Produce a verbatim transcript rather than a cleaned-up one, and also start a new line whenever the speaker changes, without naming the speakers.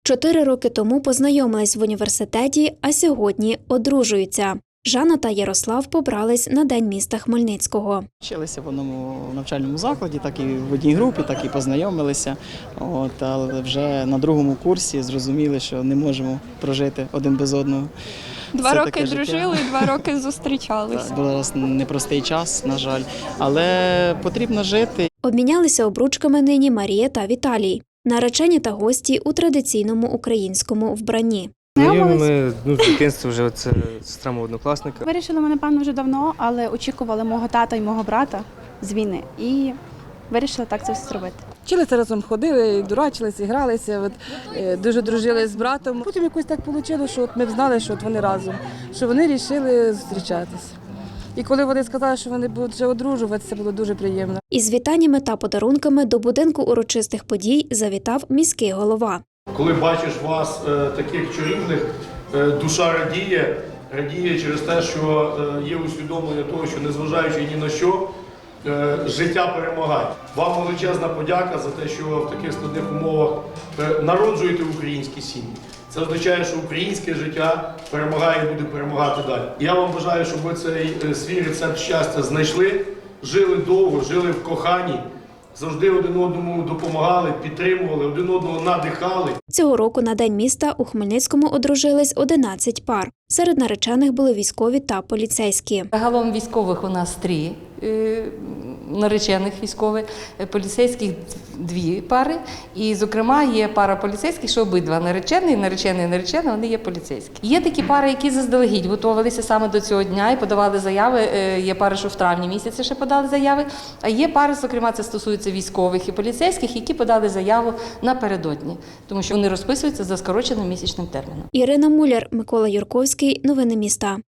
Чотири роки тому познайомились в університеті, а сьогодні одружуються. Жанна та Ярослав побрались на День міста Хмельницького.
Вчилися в одному навчальному закладі, так і в одній групі, так і познайомилися. От, але вже на другому курсі зрозуміли, що не можемо прожити один без одного.
Два
Це
роки
таке життя.
дружили і два роки зустрічалися.
Так, був зараз непростий час, на жаль, але потрібно жити.
Обмінялися обручками нині Марія та Віталій. Наречені та гості у традиційному українському вбранні.
Знайомі ми ну, з дитинства вже це сестра мого однокласника.
Вирішили ми, напевно, вже давно, але очікували мого тата і мого брата з війни. І вирішили так це все зробити.
Вчилися разом, ходили, дурачилися, гралися, от, е, дуже дружили з братом. Потім якось так вийшло, що от ми знали, що от вони разом, що вони вирішили зустрічатися. І коли вони сказали, що вони будуть вже одружуватися, це було дуже приємно.
Із вітаннями та подарунками до будинку урочистих подій завітав міський голова.
Коли бачиш вас е, таких чарівних, е, душа радіє, радіє через те, що е, є усвідомлення того, що незважаючи ні на що, е, життя перемагає. Вам величезна подяка за те, що в таких складних умовах е, народжуєте українські сім'ї. Це означає, що українське життя перемагає і буде перемагати далі. Я вам бажаю, щоб ви цей е, свій рецепт щастя знайшли, жили довго, жили в коханні. Завжди один одному допомагали, підтримували, один одного надихали.
Цього року на День міста у Хмельницькому одружились одинадцять пар. Серед наречених були військові та поліцейські.
Загалом військових у нас три е, наречених військових, е, поліцейських дві пари. І, зокрема, є пара поліцейських, що обидва наречений, наречений і наречена, вони є поліцейські. Є такі пари, які заздалегідь готувалися саме до цього дня і подавали заяви. Е, є пари, що в травні місяці ще подали заяви. А є пари, зокрема, це стосується військових і поліцейських, які подали заяву напередодні, тому що вони розписуються за скороченим місячним терміном.
Ірина Муляр, Микола Юрковський. Новини міста.